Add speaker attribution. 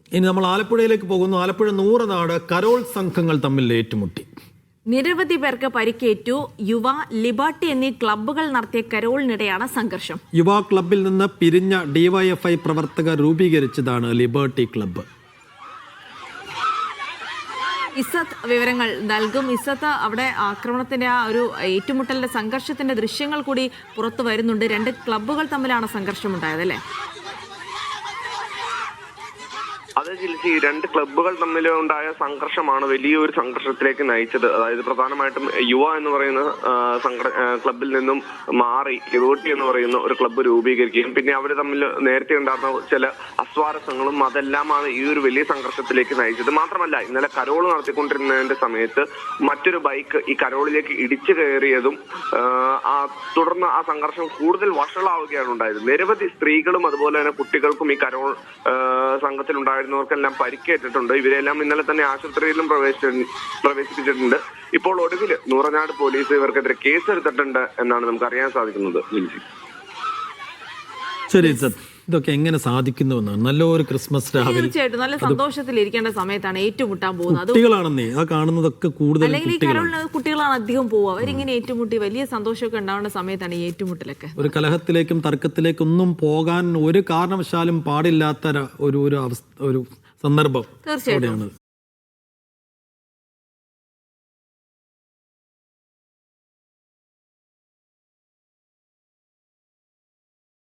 Speaker 1: ഇനി നമ്മൾ ആലപ്പുഴയിലേക്ക് പോകുന്നു. ആലപ്പുഴ നൂറനാട് കരോൾ സംഘങ്ങൾ തമ്മിൽ ഏറ്റുമുട്ടി.
Speaker 2: നിരവധി പേർക്ക് പരിക്കേറ്റു. യുവ, ലിബർട്ടി എന്നീ ക്ലബ്ബുകൾ നടത്തിയ കരോളിനിടെയാണ് സംഘർഷം.
Speaker 1: യുവ ക്ലബിൽ നിന്ന് പിരിഞ്ഞ ഡിവൈഎഫ്ഐ പ്രവർത്തകർ രൂപീകരിച്ചതാണ് ലിബർട്ടി ക്ലബ്ബ്.
Speaker 2: ഇസത്ത് വിവരങ്ങൾ നൽകും. ഇസത്ത്, അവിടെ ആക്രമണത്തിന്റെ ആ ഒരു ഏറ്റുമുട്ടലിന്റെ സംഘർഷത്തിന്റെ ദൃശ്യങ്ങൾ കൂടി പുറത്തു വരുന്നുണ്ട്. രണ്ട് ക്ലബ്ബുകൾ തമ്മിലാണ് സംഘർഷമുണ്ടായത്, അല്ലേ?
Speaker 3: അത് ജിൽസി, രണ്ട് ക്ലബ്ബുകൾ തമ്മിൽ ഉണ്ടായ സംഘർഷമാണ് വലിയൊരു സംഘർഷത്തിലേക്ക് നയിച്ചത്. അതായത് പ്രധാനമായിട്ടും യുവ എന്ന് പറയുന്ന ക്ലബിൽ നിന്നും മാറി ലിബർട്ടി എന്ന് പറയുന്ന ഒരു ക്ലബ്ബ് രൂപീകരിക്കുകയും പിന്നെ അവർ തമ്മിൽ നേരത്തെ ഉണ്ടായിരുന്ന ചില അസ്വാരസ്യങ്ങളും അതെല്ലാമാണ് ഈ ഒരു വലിയ സംഘർഷത്തിലേക്ക് നയിച്ചത്. മാത്രമല്ല, ഇന്നലെ കരോൾ നടത്തിക്കൊണ്ടിരുന്നതിന്റെ സമയത്ത് മറ്റൊരു ബൈക്ക് ഈ കരോളിലേക്ക് ഇടിച്ചു കയറിയതും തുടർന്ന് ആ സംഘർഷം കൂടുതൽ വഷളാവുകയാണ് ഉണ്ടായത്. നിരവധി സ്ത്രീകളും അതുപോലെ തന്നെ കുട്ടികൾക്കും ഈ കരോൾ സംഘത്തിലുണ്ടായിരുന്നവർക്കെല്ലാം പരിക്കേറ്റിട്ടുണ്ട്. ഇവരെല്ലാം ഇന്നലെ തന്നെ ആശുപത്രിയിലും പ്രവേശിപ്പിച്ചിട്ടുണ്ട്. ഇപ്പോൾ ഒടുവിൽ നൂറനാട് പോലീസ് ഇവർക്കെതിരെ കേസെടുത്തിട്ടുണ്ട് എന്നാണ് നമുക്ക് അറിയാൻ സാധിക്കുന്നത്.
Speaker 1: ശരി, ഇതൊക്കെ എങ്ങനെ സാധിക്കുന്നുവെന്നാണ്. നല്ലൊരു ക്രിസ്മസ് രാവിലെ
Speaker 2: തീർച്ചയായിട്ടും നല്ല സന്തോഷത്തിലിരിക്കേണ്ട സമയത്താണ് ഏറ്റുമുട്ടാൻ പോകുന്നത്.
Speaker 1: കുട്ടികളാണെന്നേ ആ കാണുന്നതൊക്കെ കൂടുതൽ
Speaker 2: അല്ലെങ്കിൽ ഈ കരോളിന് കുട്ടികളാണ് അധികം പോവുക. അവരിങ്ങനെ ഏറ്റുമുട്ടി വലിയ സന്തോഷമൊക്കെ ഉണ്ടാവേണ്ട സമയത്താണ് ഈ ഏറ്റുമുട്ടലൊക്കെ.
Speaker 1: ഒരു കലഹത്തിലേക്കും തർക്കത്തിലേക്കും ഒന്നും പോകാൻ ഒരു കാരണവശാലും പാടില്ലാത്ത ഒരു സന്ദർഭം
Speaker 2: തീർച്ചയായിട്ടും.